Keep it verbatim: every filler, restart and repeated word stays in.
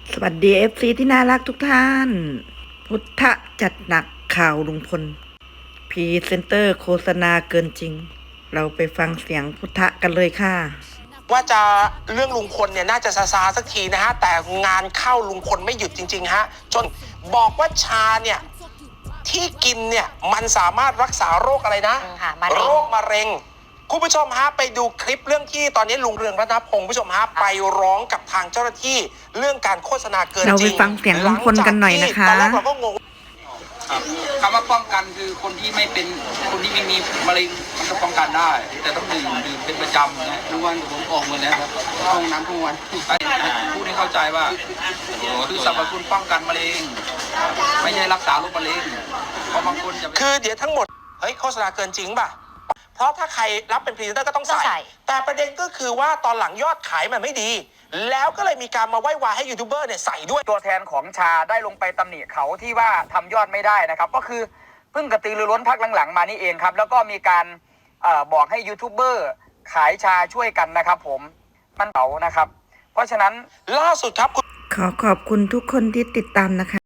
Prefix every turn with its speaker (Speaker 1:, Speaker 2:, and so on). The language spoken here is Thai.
Speaker 1: สวัสดีเอฟซีที่น่ารักทุกท่าน พุทธจัดหนักข่าวลุงพลพรีเซนเตอร์โฆษณาเกินจริง เราไปฟังเสียงพุทธกันเลยค่ะ
Speaker 2: ว่าจะเรื่องลุงพลเนี่ยน่าจะซาซาสักทีนะฮะแต่งานเข้าลุงพลไม่หยุดจริงๆฮะจนบอกว่าชาเนี่ยที่กินเนี่ยมันสามารถรักษาโรคอะไรนะโรคมะเร็งคุณผู้ชมฮะไปดูคลิปเรื่องที่ตอนนี้ลุงเรืองรัตนพงศ์ผู้ชมฮะไปร้องกับทางเจ้าหน้าที่เรื่องการโฆษณาเกินจริง
Speaker 1: เราไปฟังเสียงลุงพลกันหน่อยนะคะ
Speaker 2: ตอนแรกเราก็งง
Speaker 3: คำว่าป้องกันคือคนที่ไม่เป็นคนที่ไม่มีมะเร็งมันก็ป้องกันได้ แต่ต้องดื่มดื่มเป็นประจำนะทุกวันผมออกหมดแล้วครับห้องน้ำทุกวันพูดให้เข้าใจว่าคือสรรพคุณป้องกันมะเร็งไม่ใช่รักษาโรคมะเร็งเพราะบางคนจะ
Speaker 2: คือเดี๋ยวทั้งหมดเฮ้ยโฆษณาเกินจริงป่ะเพราะถ้าใครรับเป็นพรีเซนเตอร์ก็ต้องใส่แต่ประเด็นก็คือว่าตอนหลังยอดขายมันไม่ดีแล้วก็เลยมีการมาไหว้วานให้ยูทูบเบอร์เนี่ยใส่ด้วย
Speaker 4: ตัวแทนของชาได้ลงไปตำหนิเขาที่ว่าทำยอดไม่ได้นะครับก็คือเพิ่งกระตือรือร้นพักหลังๆมานี่เองครับแล้วก็มีการเอ่อบอกให้ยูทูบเบอร์ขายชาช่วยกันนะครับผมมันเผานะครับเพราะฉะนั้น
Speaker 2: ล่าสุดครับ
Speaker 1: ขอขอบคุณทุกคนที่ติดตามนะคะ